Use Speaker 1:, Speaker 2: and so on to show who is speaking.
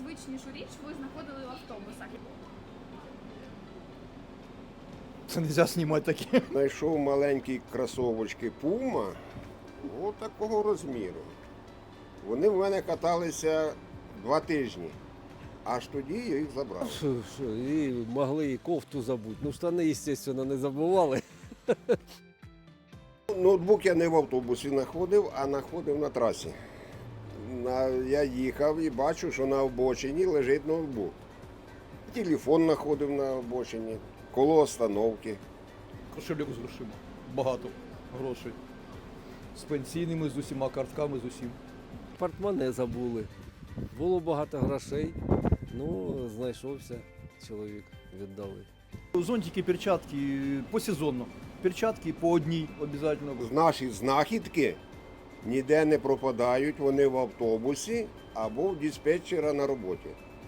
Speaker 1: найзвичнішу річ ви знаходили в автобусах?
Speaker 2: Це не можна знімати таке.
Speaker 3: Знайшов маленькі кросовочки Puma, от такого розміру. Вони в мене каталися 2 тижні. Аж тоді я їх забрав.
Speaker 4: І могли і кофту забути. Ну, штани, звісно, не забували.
Speaker 3: Ноутбук я не в автобусі знаходив, а знаходив на трасі. Я їхав і бачу, що на обочині лежить ноутбук. Телефон знаходив на обочині, коло остановки.
Speaker 2: Кошельок з грошима. Багато грошей. З пенсійними, з усіма картками, з усім.
Speaker 4: Портмоне забули. Було багато грошей. Ну, знайшовся чоловік, віддали.
Speaker 2: Зонтики, перчатки посезонно. Перчатки по одній обов'язково.
Speaker 3: Наші знахідки ніде не пропадають, вони в автобусі або в диспетчера на роботі.